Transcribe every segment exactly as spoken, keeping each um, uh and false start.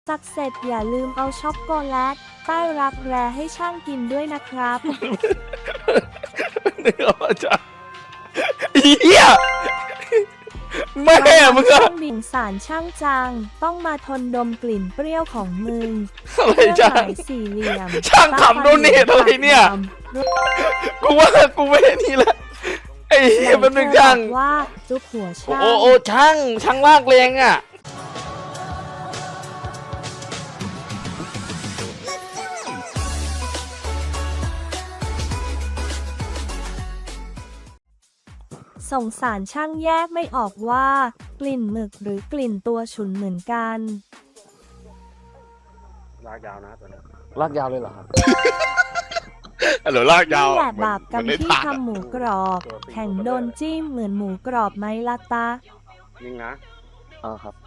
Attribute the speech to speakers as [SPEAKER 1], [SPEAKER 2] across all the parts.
[SPEAKER 1] ซักเสร็จอย่าลืมเอาช็อกโกแลตใต้รักแร้ให้ช่างกินด้วยนะครับ
[SPEAKER 2] นึกออกมาจ้ะเฮียแม่มึงอะ
[SPEAKER 1] ช่างบิ่งสารช่างจัง ต้องมาทนดมกลิ่นเปรี้ยวของมึง
[SPEAKER 2] อะไร
[SPEAKER 1] เครื่อง
[SPEAKER 2] จ้ะ
[SPEAKER 1] หมายสี่เหลี่ยม
[SPEAKER 2] ช่างขำโดเนทอะไรเนี่ย กูว่ากูไม่ได้นี่แหละไอ้เฮียเป็นหนึ่งช่าง
[SPEAKER 1] ว่าจุกหัว
[SPEAKER 2] โอ้
[SPEAKER 1] ช่าง
[SPEAKER 2] โอ้โอ้ช่างช่างลากแรงอ่ะ
[SPEAKER 1] สงสารช่างแยกไม่ออกว่ากลิ่นหมึกหรือกลิ่นตัวฉุนเหมือนกัน
[SPEAKER 3] ลากยาวนะตัวนี้
[SPEAKER 2] ลากยาวเลยเหรอครับ
[SPEAKER 4] หรือลากยาว
[SPEAKER 1] นี่แหละบาปกรรม
[SPEAKER 4] นได้
[SPEAKER 1] ที่
[SPEAKER 4] ทาน
[SPEAKER 1] ทำหมูกรอบ แข่งโดนจิ้มเหมือนหมูกรอบไหมล่ะตา
[SPEAKER 3] นิ่งนะ
[SPEAKER 2] อ่าครับ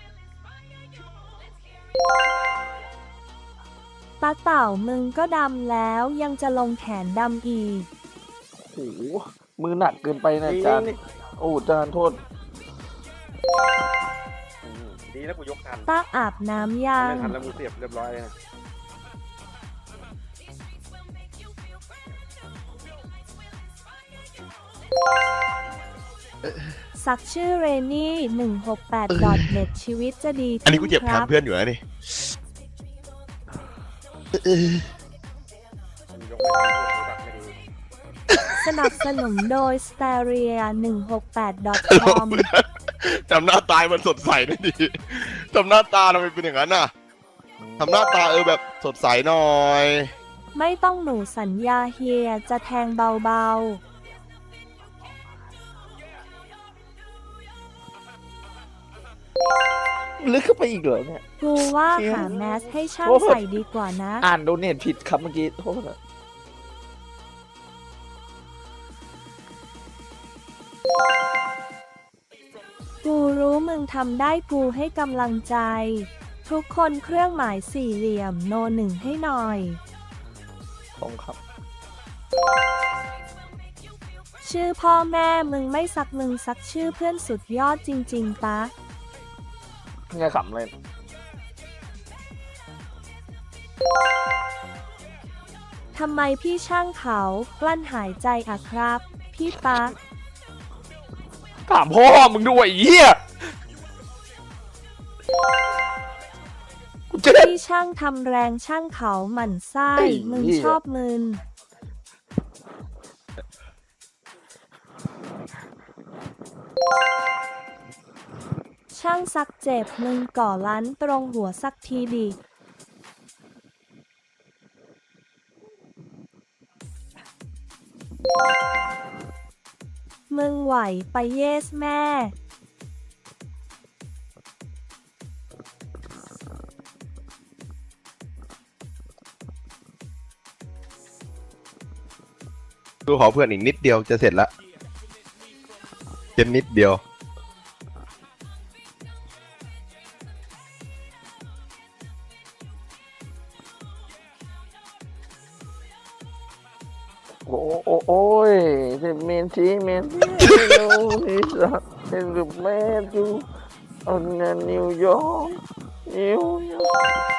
[SPEAKER 1] ตาเต่ามึงก็ดำแล้วยังจะลงแขนดำอีก
[SPEAKER 2] โอ้โหมือหนักเกินไปนะอาจารย์โอ้อาจารย์โทษ
[SPEAKER 3] อืมดีแล้วกูยกทัน
[SPEAKER 1] ตาอาบน้ำยัง
[SPEAKER 3] ไม่ทันแล้วกูเสียบเรียบร้อยเลยนะ
[SPEAKER 1] สักชื่อเรนี่หนึ่งหกแปด เน็ตชีวิตจะดี
[SPEAKER 4] อันนี้กูเจ็บ
[SPEAKER 1] ค
[SPEAKER 4] แท
[SPEAKER 1] รั
[SPEAKER 4] นเพื่อนอยู่นะนี่
[SPEAKER 3] มันยกไม่ทันกูตัดไม่ดี
[SPEAKER 1] สนับสนุนโดย สเตเรีย หนึ่งหกแปด คอม
[SPEAKER 4] ทำหน้าตายมันสดใสหน่อยดิทำหน้าตาทำไมเป็นอย่างนั้นน่ะทำหน้าตาเออแบบสดใสหน่อย
[SPEAKER 1] ไม่ต้องหนูสัญญาเฮียจะแทงเบา
[SPEAKER 2] ลึกเข้าไปอีกเหรอเนี่ย
[SPEAKER 1] ๆ กูว่าหาแมสให้ช่าง
[SPEAKER 2] โอ้โห
[SPEAKER 1] ใส่ดีกว่านะ
[SPEAKER 2] อ่านโดเนทผิดครับเมื่อกี้โทษนะ
[SPEAKER 1] กูรู้มึงทำได้กูให้กำลังใจ ทุกคนเครื่องหมายสี่เหลี่ยมโนหนึ่งให้หน่อย
[SPEAKER 2] ของครับ
[SPEAKER 1] ชื่อพ่อแม่มึงไม่ซักมึงซักชื่อเพื่อนสุดยอดจริง ๆ ปะ
[SPEAKER 2] ไงขำเลย
[SPEAKER 1] ทำไมพี่ช่างเขากลั้นหายใจอะครับ พี่ปะ
[SPEAKER 2] ถามพ่อมึงด้วยไอ้เหี้ยกูจะได้
[SPEAKER 1] พี่ช่างทำแรงช่างเขาหมั่นไส้
[SPEAKER 2] ไอ้
[SPEAKER 1] มึง
[SPEAKER 2] เหี้ย
[SPEAKER 1] ชอบมึน ช่างซักเจ็บมึงก่อล้านตรงหัวสักทีดิ มึงไหวไปเยสแม่
[SPEAKER 4] กูขอเพื่อนอีกนิดเดียวจะเสร็จละเจ็นนิดเดียว
[SPEAKER 2] โอ้โอ้โอ้ยเซเมนซีเมนโนนิสะเป็นรูปแม่จูอันนั้นนิวยอร์กนิวยอร์ก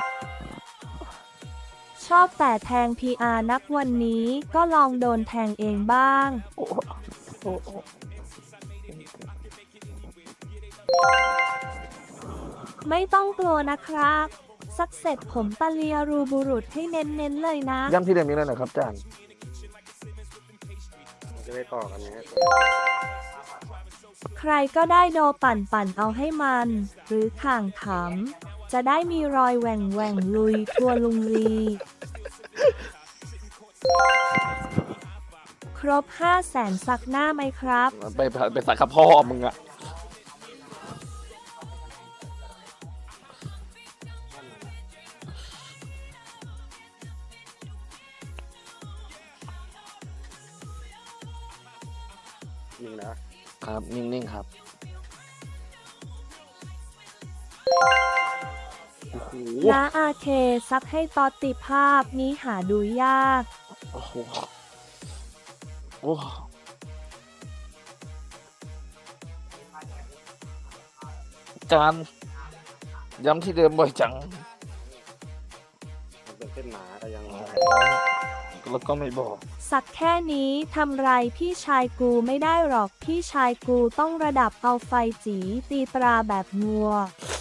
[SPEAKER 1] ชอบแต่แทง พี อาร์ นักวันนี้ก็ลองโดนแทงเองบ้าง
[SPEAKER 2] โอ้โอ้โอ้
[SPEAKER 1] ไม่ต้องกลัวนะครับ สักเสร็จผมตะเลียรูบุรุษให้เน้นๆเลยนะ
[SPEAKER 2] ย้ำที่เดิมนี้เลยนะครับอาจารย์
[SPEAKER 3] มันจะได้ต่อกันไง
[SPEAKER 1] ใครก็ได้โดปั่นปั่นเอาให้มัน หรือข่างขำ จะได้มีรอยแหว่งแหว่งลุยทัวลุงลี ครบห้าแสนสักหน้าไหมครับ
[SPEAKER 2] ไปไปสักกับพ่อมึงอะ
[SPEAKER 3] นิ่งนะครับ
[SPEAKER 2] นิ่งๆครับโอ้โห
[SPEAKER 1] นาอาเคซักให้ตอติภาพนี้หาดูยาก
[SPEAKER 2] โอ้โหโอ้อาจารย์ย้ำที่เดิมบ่อยจัง
[SPEAKER 3] เส้นหนาก็ยัง
[SPEAKER 2] แล้วก็ไม่บอก
[SPEAKER 1] สักแค่นี้ทำไรพี่ชายกูไม่ได้หรอกพี่ชายกูต้องระดับเอาไฟจีตีตราแบบงัว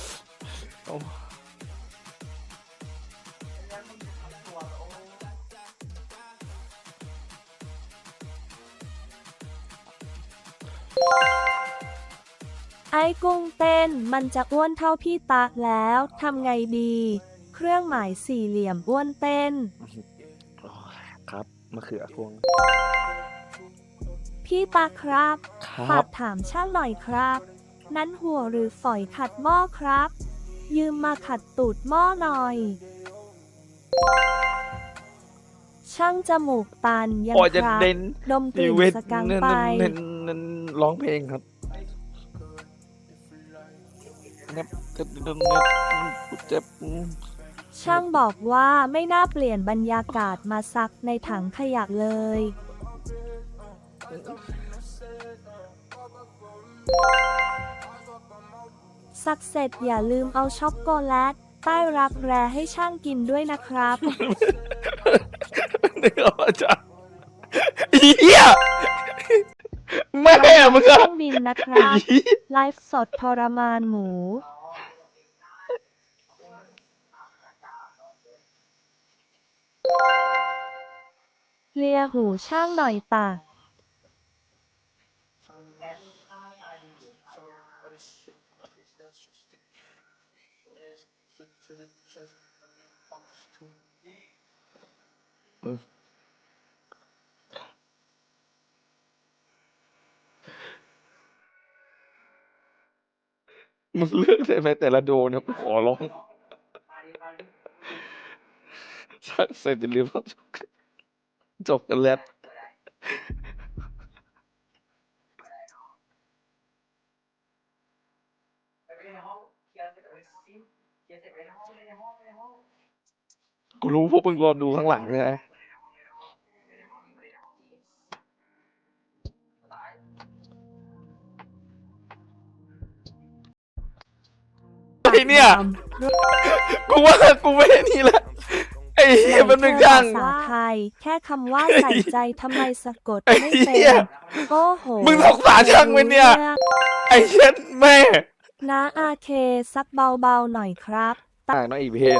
[SPEAKER 1] ไอ้กุ้งเต้นมันจะอ้วนเท่าพี่ตาแล้วทำไงดี เครื่องหมายสี่เหลี่ยมอ้วนเต้น
[SPEAKER 2] ครับมะเขือพวง
[SPEAKER 1] พี่ตาครับ
[SPEAKER 2] ครั
[SPEAKER 1] ฝา
[SPEAKER 2] บ
[SPEAKER 1] กถามช่างหน่อยครับ นั้นหัวหรือฝอยขัดหม้อครับ ยืมมาขัดตูดหม้อหน่อย ช่างจมูกตันยัง
[SPEAKER 2] โอ้ยจะ
[SPEAKER 1] ครับ
[SPEAKER 2] เด่น
[SPEAKER 1] ดมกลิ่น
[SPEAKER 2] เวท
[SPEAKER 1] สกัง
[SPEAKER 2] เน้น
[SPEAKER 1] ไป
[SPEAKER 2] เน้นเน้นร้องเพลงครับเน็บเน็บเน็บเน็บเจ็บ
[SPEAKER 1] ช่างบอกว่าไม่น่าเปลี่ยนบรรยากาศมาซักในถังขยะเลย ซักเสร็จอย่าลืมเอาช็อกโกแลตใต้รักแร้ให้ช่างกินด้วยนะครับ
[SPEAKER 2] นึกออกจ้ะเหี้ยแม่มึง
[SPEAKER 1] เค
[SPEAKER 2] อะ
[SPEAKER 1] รื่องบินนะครับ ไลฟ์สดทรมานหมู เลียหูช่างหน่อยตา
[SPEAKER 2] มึงเลือกได้ไหมแต่ละโดนเนี่ยขอร้องสักเสร็จอย่าลืมต้องจบกันแล้ว กูรู้พวกมึงรอดูข้างหลังใช่ไหมไอ้เนี่ย กูว่ากูไม่ได้นี่ละไอ้เหี้ยมันหนึ่งอย่าง
[SPEAKER 1] ภาษาไทย แค่คำว่าใส่ใจทำไมสะกด
[SPEAKER 2] ไอ้
[SPEAKER 1] ไม่
[SPEAKER 2] เหี้
[SPEAKER 1] เป็
[SPEAKER 2] ย
[SPEAKER 1] น โอ้โห
[SPEAKER 2] มึงสงสารช่างไหมเนี่ย ไอ้เช็ดแม่
[SPEAKER 1] นะอาเคซักเบาๆหน่อยครับ
[SPEAKER 2] อ่าน้องอีกเพน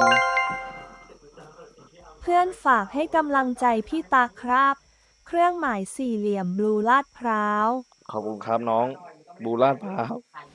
[SPEAKER 1] เพื่อนฝากให้กำลังใจพี่ตาครับ เครื่องหมายสี่เหลี่ยมบลูลาดพร้าว
[SPEAKER 2] ขอบคุณครับน้อง บูลาดพร้าว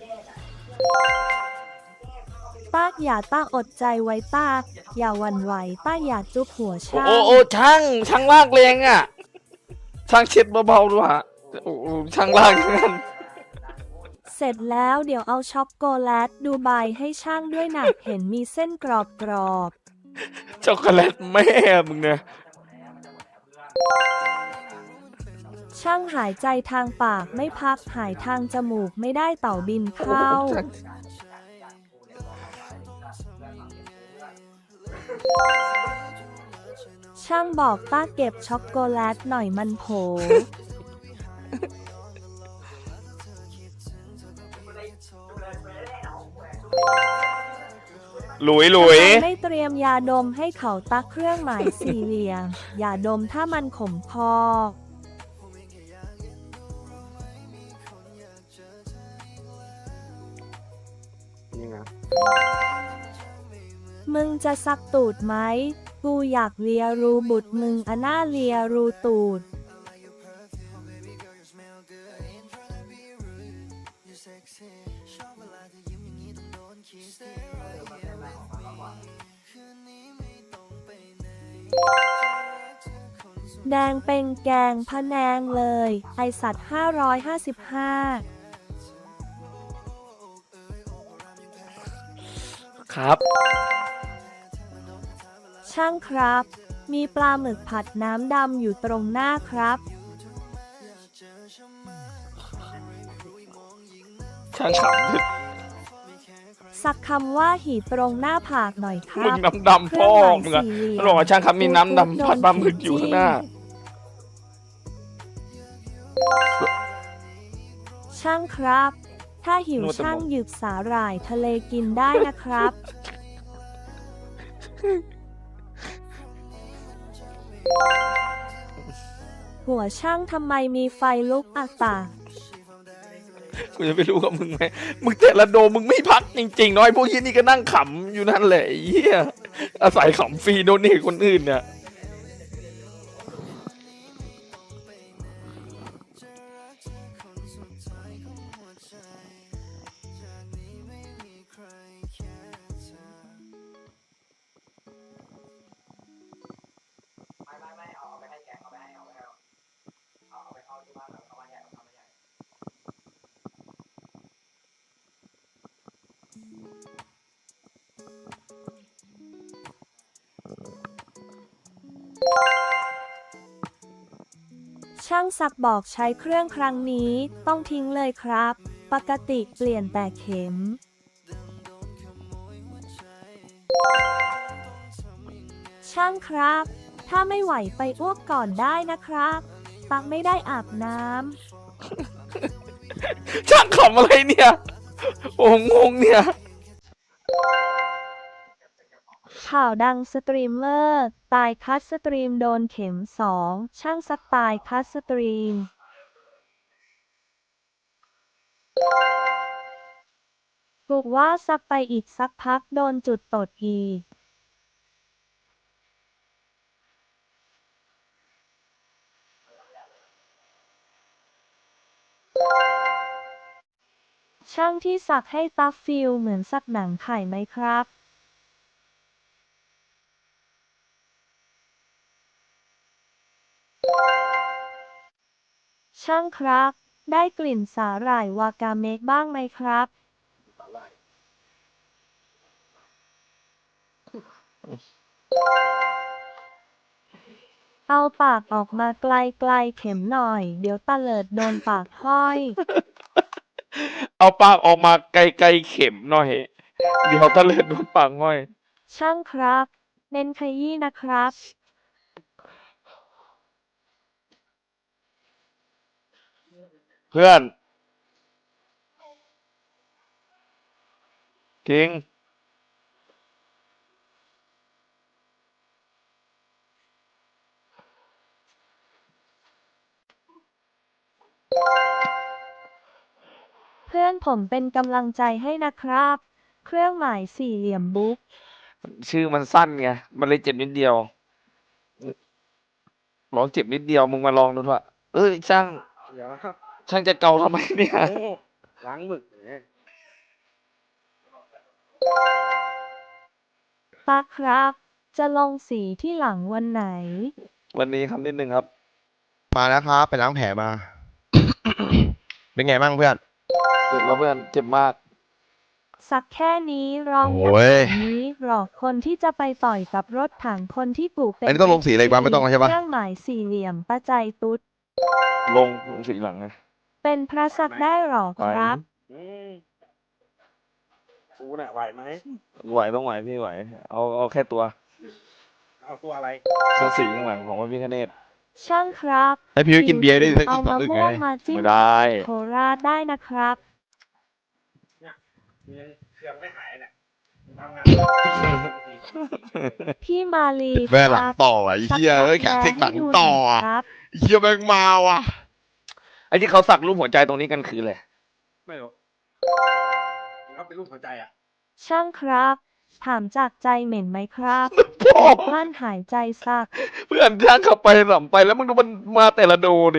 [SPEAKER 1] ตากอย่าต้าอดใจไว้ตากอย่าหวั่นไหวต้าอย่าจุบหัว
[SPEAKER 2] โอ้
[SPEAKER 1] ช่าง
[SPEAKER 2] โอ้โอ้ช่างช่างลากแรงอ่ะ ช่างเช็ดเบาๆด้วยฮะโอ้โอ้ช่างลากอย่างนั้น
[SPEAKER 1] เสร็จแล้วเดี๋ยวเอาช็อกโกแลตดูใบให้ช่างด้วยหนัก เห็นมีเส้นกรอบกรอบ
[SPEAKER 2] ช็อกโกแลตแม่มึงเนี่ย
[SPEAKER 1] ๆช่างหายใจทางปากไม่พักหายทางจมูกไม่ได้เต่าบินเข้า ช่างบอกต้าเก็บช็อกโกแลตหน่อยมันโผ
[SPEAKER 2] หลุยหลุย
[SPEAKER 1] ทำไมไม่เตรียมยาดมให้เขาตักเครื่องหมายสี่เหลี่ยม อย่าดมถ้ามันขมคอ
[SPEAKER 3] นี่ไง
[SPEAKER 1] มึงจะซักตูดไหม กูอยากเลียรูบุตรมึงอะหน้าเลียรูตูด แดงเป็นแกงพะแนงเลย ไอสัตว์ห้าร้อยห้าสิบห้า
[SPEAKER 2] ครับ
[SPEAKER 1] ช่างครับ มีปลาหมึกผัดน้ำดำอยู่ตรงหน้าครับ
[SPEAKER 2] ช่างขำ
[SPEAKER 1] สักคำว่าหีตรงหน้าผากหน่อยค
[SPEAKER 2] มึ
[SPEAKER 1] รั
[SPEAKER 2] ง
[SPEAKER 1] บ
[SPEAKER 2] น้ำดำพ่อมึงอะมันบอกว่าช่างครับมีน้ำดำผัดปลาหมึกอยู่ข้างหน้า
[SPEAKER 1] ช่างครับ ถ้าหิวน
[SPEAKER 2] วดสมอง
[SPEAKER 1] ช่างหยิบสาหร่ายทะเลกินได้นะครับหัวช่างทำไมมีไฟลุกอักตา
[SPEAKER 2] กูจะไปรู้กับมึงไหมมึงแต่ละโดมมึงไม่พักจริงๆน้อยพวกยี่นี่ก็นั่งขำอยู่นั่นแหละไอ้เหี้ยอาศัยขำฟรีโดนนี่คนอื่นเนี่ย
[SPEAKER 1] ช่างซักบอกใช้เครื่องครั้งนี้ต้องทิ้งเลยครับ ปกติเปลี่ยนแต่เข็ม ช่างครับ ถ้าไม่ไหวไปอ้วกก่อนได้นะครับปักไม่ได้อาบน้ำ
[SPEAKER 2] ช่างขำอะไรเนี่ย โอ้งงเนี่ย
[SPEAKER 1] ข่าวดังสตรีมเมอร์ ตายคัดสตรีมโดนเข็มสองช่างซักตายคัดสตรีม ปลุกว่าซักไปอีกสักพักโดนจุดตดอีก ช่างที่สักให้ตัฟฟิลเหมือนสักหนังไข่ไหมครับ ช่างครับ ได้กลิ่นสาหร่ายวากาเมะบ้างไหมครับ เอาปากออกมาไกลๆเข็มหน่อย เดี๋ยวตะเลิดโดนปากห้อย
[SPEAKER 2] เอาปากออกมาไกลๆเข็มหน่อย เดี๋ยวตะเลิดโดนปากง่อย
[SPEAKER 1] ช่างครับ เน้นขยี้นะครับ
[SPEAKER 2] เพื่อนคิง
[SPEAKER 1] เพื่อนผมเป็นกำลังใจให้นะครับ เครื่องหมายสี่เหลี่ยมบุ๊ก
[SPEAKER 2] ชื่อมันสั้นไง มันเลยเจ็บนิดเดียวลองเจ็บนิดเดียวมึงมาลองดูเถอะเอ้ยช่าง
[SPEAKER 3] เดี๋ยว
[SPEAKER 2] ช่างจะเกาทำไมเนี่ย
[SPEAKER 3] โอ้ล้างหมึกเนี่ย
[SPEAKER 1] ป้าครับ จะลงสีที่หลังวันไหน
[SPEAKER 2] วันนี้ครับนิดนึงครับ
[SPEAKER 4] มาแล้วครับไปล้างแผลมา เป็นไงบ้างเพื่อน
[SPEAKER 2] เจ็บแล้วเพื่อน เจ็บมาก
[SPEAKER 1] สักแค่นี้ร้อง
[SPEAKER 4] โอ้ย
[SPEAKER 1] แบบนี้หรอกคนที่จะไปต่อยกับรถถังคนที่ปลูกเป็น
[SPEAKER 4] อันนี้ต้องลงสีอะไรบ้างไม่ต้องแล้วใช่ปะ
[SPEAKER 1] เครื่องหมายสี่เหลี่ยมป้าใจตุ๊ด
[SPEAKER 2] ลงลงสีหลังไง
[SPEAKER 1] เป็นพระสักได้หรอครับ
[SPEAKER 3] อืมกูน่ะไหวไหม
[SPEAKER 2] ไหวต้องไหวพี่ไหว เอาเอาแค่ตัว
[SPEAKER 3] เอาตัวอะไร
[SPEAKER 2] เสื้อสีข้างหลังของพระพิฆเนศ
[SPEAKER 1] ช่างครับ
[SPEAKER 4] ให้พี่ไปกินเบียร์ด้วยสัก
[SPEAKER 1] เอา
[SPEAKER 4] สอง
[SPEAKER 1] มะ
[SPEAKER 4] อึก
[SPEAKER 1] ม่
[SPEAKER 4] ไง
[SPEAKER 1] วงมาจิ้ม
[SPEAKER 2] ไม่ได้
[SPEAKER 1] โคราชได้นะครับ
[SPEAKER 3] เครื่องไม่หายเนี่ยทำงาน
[SPEAKER 1] พี่มาลี
[SPEAKER 4] แม่หลั
[SPEAKER 1] ค
[SPEAKER 4] ง
[SPEAKER 1] รับ
[SPEAKER 4] ต่ออ่ะไอ้เหี้ยเอ้ยแขกเทคหลังต่ออ่ะ
[SPEAKER 1] ครับ
[SPEAKER 4] ไอ้เหี้ยแม่งมาว่ะ
[SPEAKER 2] ไอ้ที่เขาสักรูปหัวใจตรงนี้กันคืออะไร
[SPEAKER 3] ไม่รู้เขาเป็นรูปหัวใจอ่ะ
[SPEAKER 1] ช่างครับ ถามจากใจเหม็นไหมครับ
[SPEAKER 2] พ่อ
[SPEAKER 1] กลั้นหายใจสัก
[SPEAKER 2] เพื่อนช่างขับไปสัมไปแล้วมึงดูมันมาแต่ละโดดิ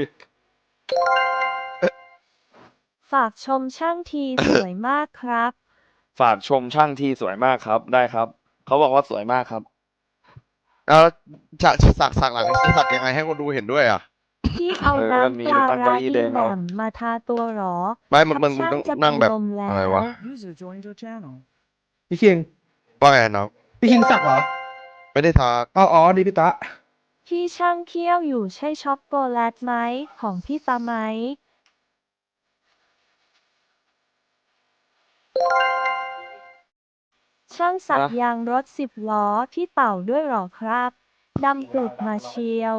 [SPEAKER 1] ฝากชมช่างทีสวยมากครับ
[SPEAKER 2] ฝากชมช่างที่สวยมากครับ ได้ครับ เขาบอกว่าสวยมากครับ
[SPEAKER 4] เอาจากสักสักหลังสักยังไงให้คนดูเห็นด้วยอ่ะ
[SPEAKER 1] พี่เอา
[SPEAKER 2] เออ
[SPEAKER 1] น้
[SPEAKER 2] มี
[SPEAKER 1] ำปลา
[SPEAKER 2] ตั้งเก้า
[SPEAKER 1] ร้า
[SPEAKER 2] อี้
[SPEAKER 1] อี
[SPEAKER 2] แดง
[SPEAKER 1] แห
[SPEAKER 2] เอา
[SPEAKER 1] ม่มมาทาตัวหรอ
[SPEAKER 4] ไม่มันมันมึง
[SPEAKER 1] ช่า
[SPEAKER 4] ต้อง
[SPEAKER 1] จะ
[SPEAKER 4] นั่งแบบ
[SPEAKER 1] เป็นลมแล้ว
[SPEAKER 4] อะไรวะ
[SPEAKER 5] User joined your channel.
[SPEAKER 3] พี่คิง
[SPEAKER 4] ว่าไงน้อง
[SPEAKER 3] พี่คิงสักเหรอ
[SPEAKER 4] ไม่ได้ทัก
[SPEAKER 3] อ๋ออ๋อดีพี่ตะ
[SPEAKER 1] พี่ช่างเคี้ยวอยู่ใช่ช็อกโกแลตไหมของพี่ตาไหม ช่างสัก
[SPEAKER 2] ฮะ
[SPEAKER 1] ยางรถสิบล้อที่เต่าด้วยหรอครับดำกรุดมาเชียว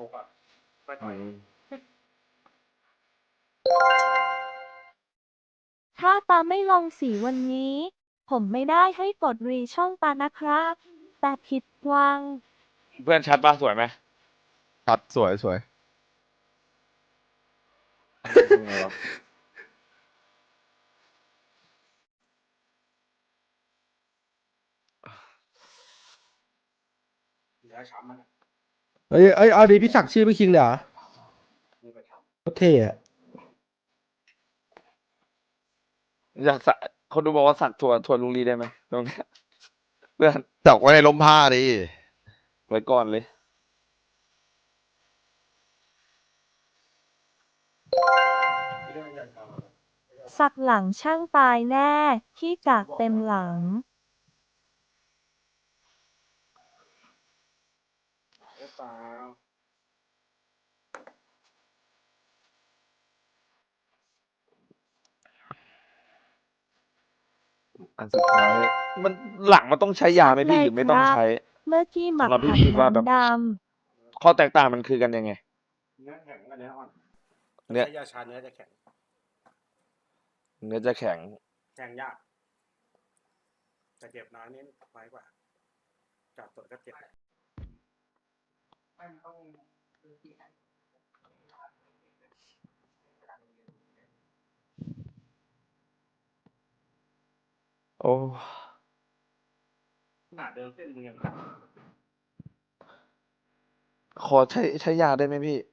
[SPEAKER 1] ถ้าตาไม่ลงสีวันนี้ ผมไม่ได้ให้กดรีช่องตานะครับ แต่ผิดหวัง
[SPEAKER 2] เพื่อนชัดปะสวยไหม
[SPEAKER 4] ชัดสวยสวย
[SPEAKER 2] ยังไงวะ
[SPEAKER 3] ย้ายช้ำมัน
[SPEAKER 5] เอ้ยเอ้ยเอาดีพี่สักชื่อพี่คิงเลยเหรอโคตรเท่อะ
[SPEAKER 2] อยากสักคนดูบอกว่าสักถั่วถั่วลุงลีได้ไหมตรงเนี้ยเพื่อน
[SPEAKER 4] จับไว้ในร่มผ้าดิ
[SPEAKER 2] ไว้ก่อนเลย
[SPEAKER 1] สักหลังช่างตายแน่ขี้กากเต็มหลัง
[SPEAKER 3] หรือเปล่า
[SPEAKER 2] อันสุดท้ายมันหลังมันต้องใช้ยาไหมพี่หรือไม่ต้องใช้
[SPEAKER 1] เมื่อกี้หมัก
[SPEAKER 2] สำหรับพี่
[SPEAKER 1] ผัด
[SPEAKER 2] คิดว่าแบบ
[SPEAKER 1] น้ำด
[SPEAKER 2] ข้อแตกต่างมันคือกันยังไง
[SPEAKER 3] เนื้อแข็งกับเนื้ออ่อน
[SPEAKER 2] เนื้อ
[SPEAKER 3] ใช้ยาชาเนื้อจะแข็ง
[SPEAKER 2] เนื้อจะแข็ง
[SPEAKER 3] แข็งยากแต่เจ็บน้อยนี่น้อยกว่าจับตัวก็เจ็บ
[SPEAKER 2] โอ้
[SPEAKER 3] ขนาดเดิมเส้นมึงยัง
[SPEAKER 2] ขอใช้ใช้ยาได้ไหมพี่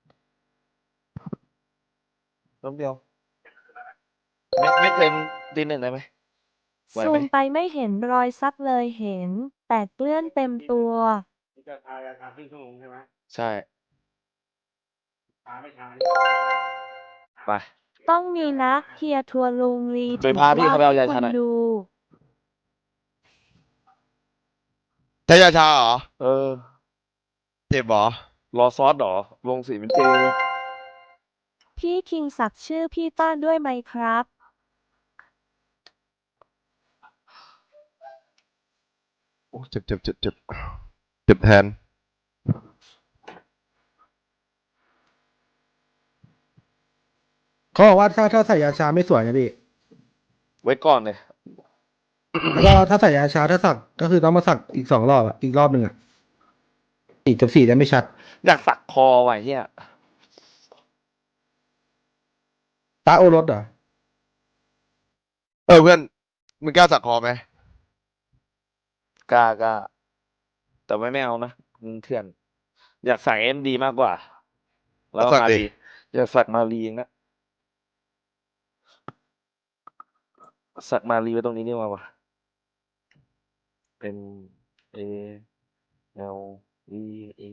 [SPEAKER 2] รอบเดียว ไม่ไม่เกินตีหนึ่งได้ไหม
[SPEAKER 1] ำ
[SPEAKER 2] ไหว
[SPEAKER 1] ซู
[SPEAKER 2] ไหม
[SPEAKER 1] มไปไม่เห็นรอยซักเลยเห็น แต่เกลื่อนเต็มตัว
[SPEAKER 3] นี่จะทายาชาครึ่งชั่วโมงใช่ไหม
[SPEAKER 2] ใช่
[SPEAKER 3] ทาไม่ทา
[SPEAKER 2] ไป
[SPEAKER 1] ต้องมีนะเฮียทัวร์ลุงลี
[SPEAKER 2] ไปพาพี่เขาไปเอายาชาหน่อย
[SPEAKER 1] คนดู
[SPEAKER 4] ใช้ยาชาเหรอ
[SPEAKER 2] เออ
[SPEAKER 4] เจ็บเหรอ
[SPEAKER 2] รอซอสเหรอ ลงสีเป็นเจ
[SPEAKER 1] พี่คิงสักชื่อพี่ต้าด้วยไหมครับ
[SPEAKER 4] โอ้เจ็บเจ็บเจ็บเจ็บเจ็บแทน
[SPEAKER 5] เขาบอกว่าถ้าถ้าใส่ยาชาไม่สวยนะพี่
[SPEAKER 2] ไว้ก่อนเลย
[SPEAKER 5] แล้วก็ถ้าใส่ยาชาถ้าสักก็คือต้องมาสักอีกสองรอบอะอีกรอบหนึ่งอะสีกับสีจะไม่ชัด
[SPEAKER 2] อยากสักคอไว้เฮีย
[SPEAKER 5] ตาโอรสเหรอ
[SPEAKER 4] เออเพื่อนมึงกล้าสักคอไหม
[SPEAKER 2] กล้ากล้าแต่ไม่ไม่เอานะมึงเถื่อน อยากสักเอ็มดีมากกว่า แล้วก็
[SPEAKER 4] สัก
[SPEAKER 2] มา
[SPEAKER 4] ดิ
[SPEAKER 2] รีอยากสักมารีเองนะสักมารีไว้ตรงนี้นี่มาวะเป็น A L E E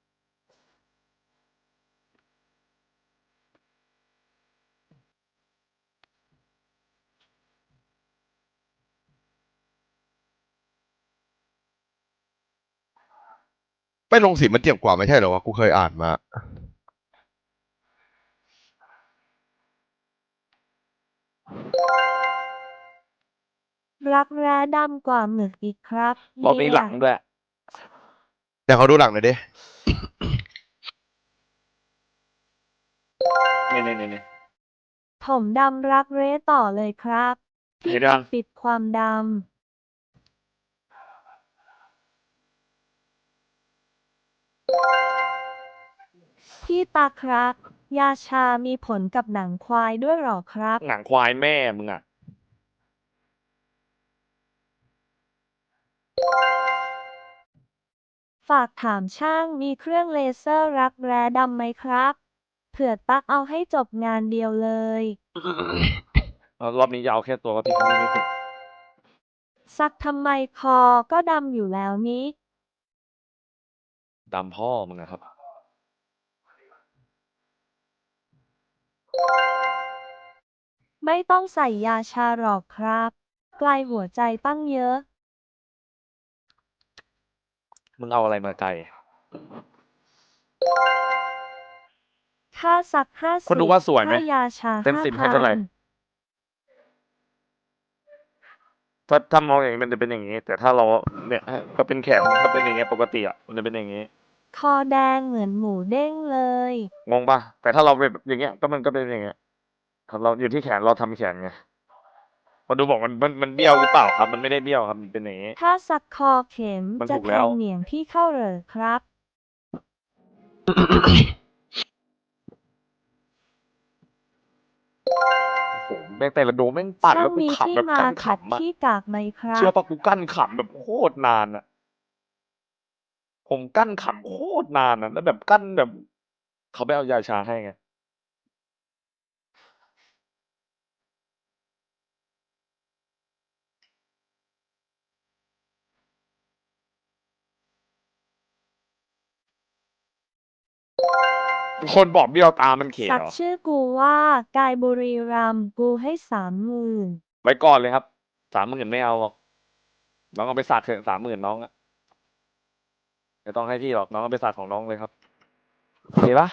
[SPEAKER 4] ไปลงสีมันเจ็บกว่าไม่ใช่เหรอวะ กูเคยอ่านมา
[SPEAKER 1] รักแร้ดำกว่าหมึกอีกครับ
[SPEAKER 2] รอบนี้หลังด้วย
[SPEAKER 4] แต่เขาดูหลังหน่อยดิ
[SPEAKER 2] เนี่ยเนี่ยเนี่ย
[SPEAKER 1] ผมดำรักเร้ต่อเลยครับพี่
[SPEAKER 2] เห็นยัง
[SPEAKER 1] ปิดความดำ พี่ตาครับ ยาชามีผลกับหนังควายด้วยหรอครับ
[SPEAKER 2] หนังควายแม่มึงอ่ะ
[SPEAKER 1] ฝากถามช่างมีเครื่องเลเซอร์รักแร้ดำไหมครับ เผื่อตักเอาให้จบงานเดียวเลย
[SPEAKER 2] รอบนี้จะเอาแค่ตัวก็พี่เขาไม่ติด
[SPEAKER 1] ซักทำไมคอก็ดำอยู่แล้วนี้
[SPEAKER 2] ดำพ่อมึงอะครับ
[SPEAKER 1] ไม่ต้องใส่ยาชาหรอกครับ ไกลหัวใจตั้งเยอะ
[SPEAKER 2] มึงเอาอะไรมาไกล
[SPEAKER 1] ค่าซักห้าสิบ
[SPEAKER 2] คนดูว่าสวยไหม
[SPEAKER 1] ค่ายาชา
[SPEAKER 2] เต็มสิบให้
[SPEAKER 1] ห้า
[SPEAKER 2] เท่าไหร่
[SPEAKER 1] พัน
[SPEAKER 2] ถ้าถ้ามองอย่างนี้มันจะเป็นอย่างนี้ แต่ถ้าเราเนี่ยก็เป็นแขนถ้าเป็นอย่างเงี้ยปกติอ่ะมันจะเป็นอย่างนี้
[SPEAKER 1] คอแดงเหมือนหมูเด้งเลย
[SPEAKER 2] งงป่ะแต่ถ้าเราแบบอย่างเงี้ยก็มันก็เป็นอย่างเงี้ยถ้าเราอยู่ที่แขนเราทำแขนไงคนดูบอกมันมันมันเบี้ยวหรือเปล่าครับ มันไม่ได้เบี้ยวครับมันเป็นอย่างนี้
[SPEAKER 1] ถ้าซักคอเข็ม
[SPEAKER 2] มัน
[SPEAKER 1] จะ
[SPEAKER 2] ถูก
[SPEAKER 1] แท
[SPEAKER 2] แล้ว
[SPEAKER 1] งเหนียงพี่เข้าเหรอครับ
[SPEAKER 6] แม่งแต่ละโดมแม่งปัด
[SPEAKER 1] ช่า
[SPEAKER 6] แล้
[SPEAKER 1] ง
[SPEAKER 6] วกู
[SPEAKER 1] มี
[SPEAKER 6] ขำ
[SPEAKER 1] ที่
[SPEAKER 6] แบบ
[SPEAKER 1] มา
[SPEAKER 6] กั้น
[SPEAKER 1] ขัด
[SPEAKER 6] ขำอะ
[SPEAKER 1] ขี้กากไหมครั
[SPEAKER 6] เชื่อบ ปะกูกั้นขำแบบโคตรนานอะผมกั้นขำโคตรนานอะแล้วแบบกั้นแบบ เขาไม่เอายาชาให้ไง คนบอกเบี้ยวตามันเข
[SPEAKER 1] สั
[SPEAKER 6] เห
[SPEAKER 1] ก
[SPEAKER 6] รอ
[SPEAKER 1] ชื่อกูว่ากายบุรีรัมย์กูให้ สามหมื่น
[SPEAKER 6] ไว้ก่อนเลยครับ สามหมื่น ไม่เอาหรอก น้องเอาไปสักเถอะ สามหมื่น น้องอะ ไม่ต้องให้พี่หรอก น้องเอาไปสักของน้องเลยครับ โอเคเปล่า?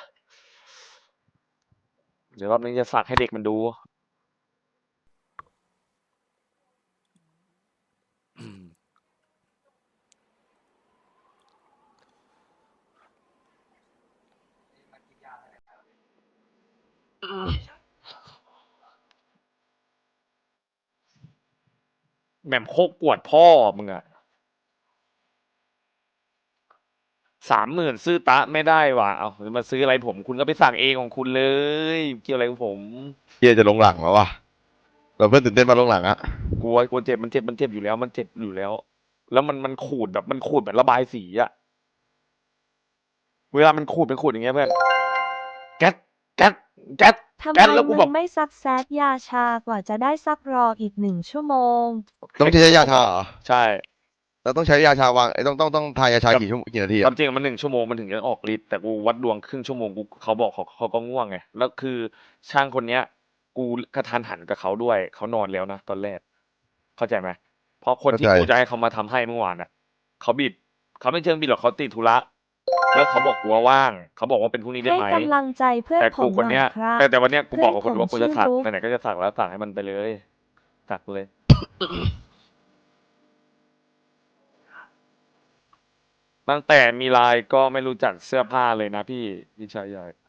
[SPEAKER 6] เดี๋ยวรอบนี้จะสักให้เด็กมันดู อืม อืม แหม่มโคกปวดพ่อมึงอะ สามหมื่น ซื้อต๊ะไม่ได้ว่ะ อ้าว จะมาซื้ออะไรผม คุณก็ไปสักเองของคุณเลย เกี่ยวอะไรกับผม
[SPEAKER 4] เหี้ยจะลงหลังแล้วว่ะ เราเพื่อนตื่นเต้นมาลงหลังอะ
[SPEAKER 6] กลัว กลัวเจ็บ มันเจ็บ มันเจ็บอยู่แล้ว มันเจ็บอยู่แล้ว แล้วมัน มันขูดแบบ มันขูดเหมือนระบายสีอะ เวลามันขูด มันขูดอย่างเงี้ยเพื่อน แก๊ด แก๊ด แก๊ด
[SPEAKER 1] ทำ
[SPEAKER 6] แก๊ด
[SPEAKER 1] ไม
[SPEAKER 6] แล้วกู
[SPEAKER 1] มึ
[SPEAKER 6] แบบ
[SPEAKER 1] งไม่ซักแซดยาชากว่าจะได้ซักรออีก หนึ่ง ชั่วโมง
[SPEAKER 4] ต้องใช้ยาชาเหรอ?
[SPEAKER 6] ใช่
[SPEAKER 4] เราต้องใช้ยาชาวาง ไอ้ต้อง ต้อง ต้องทายาชา
[SPEAKER 6] แบบ
[SPEAKER 4] กี่ชั่ว กี่นาที
[SPEAKER 6] ค
[SPEAKER 4] อ
[SPEAKER 6] ควา
[SPEAKER 4] ะ?
[SPEAKER 6] มจริงอะมัน หนึ่ง ชั่วโมง มันถึงจะออกฤทธิ์ แต่กูวัดดวงครึ่งชั่วโมง กู เขาบอกเขา เขาก็ง่วงไง แล้วคือช่างคนเนี้ย กูกะทันหันกับเขาด้วย เขานอนแล้วนะตอนแรก เข้าใจไหม? เพราะคนที่
[SPEAKER 4] เข้าใจ
[SPEAKER 6] กูจะให้เขามาทำให้เมื่อวานน่ะ เขาบิด เขาไม่เชิงบิดหรอก เขาติดธุระ แล้วเขาบอกกูว่าว่าง เขาบอกว่าเป็นพรุ่งนี้ได้
[SPEAKER 1] ให้
[SPEAKER 6] ไหม?
[SPEAKER 1] กำลังใจเพื่อน
[SPEAKER 6] แต่
[SPEAKER 1] ผ
[SPEAKER 6] กู
[SPEAKER 1] ม
[SPEAKER 6] คน
[SPEAKER 1] หน่
[SPEAKER 6] เนี้
[SPEAKER 1] อย
[SPEAKER 6] ย
[SPEAKER 1] ครับ
[SPEAKER 6] แต่ แต่วันเนี้ยกู
[SPEAKER 1] เพื่
[SPEAKER 6] บ
[SPEAKER 1] อ
[SPEAKER 6] อน กกับ
[SPEAKER 1] ผ
[SPEAKER 6] คน
[SPEAKER 1] ม
[SPEAKER 6] ว่ากู
[SPEAKER 1] ชื่
[SPEAKER 6] จะ
[SPEAKER 1] อ
[SPEAKER 6] สัก
[SPEAKER 1] รุ้
[SPEAKER 6] ไหน ๆ ก็จะสักแล้ว สักให้มันไปเลย สักเลย ตั้งแต่มี ไลน์ ก็ไม่รู้จักเสื้อผ้าเลยนะพี่ พี่ชายใหญ่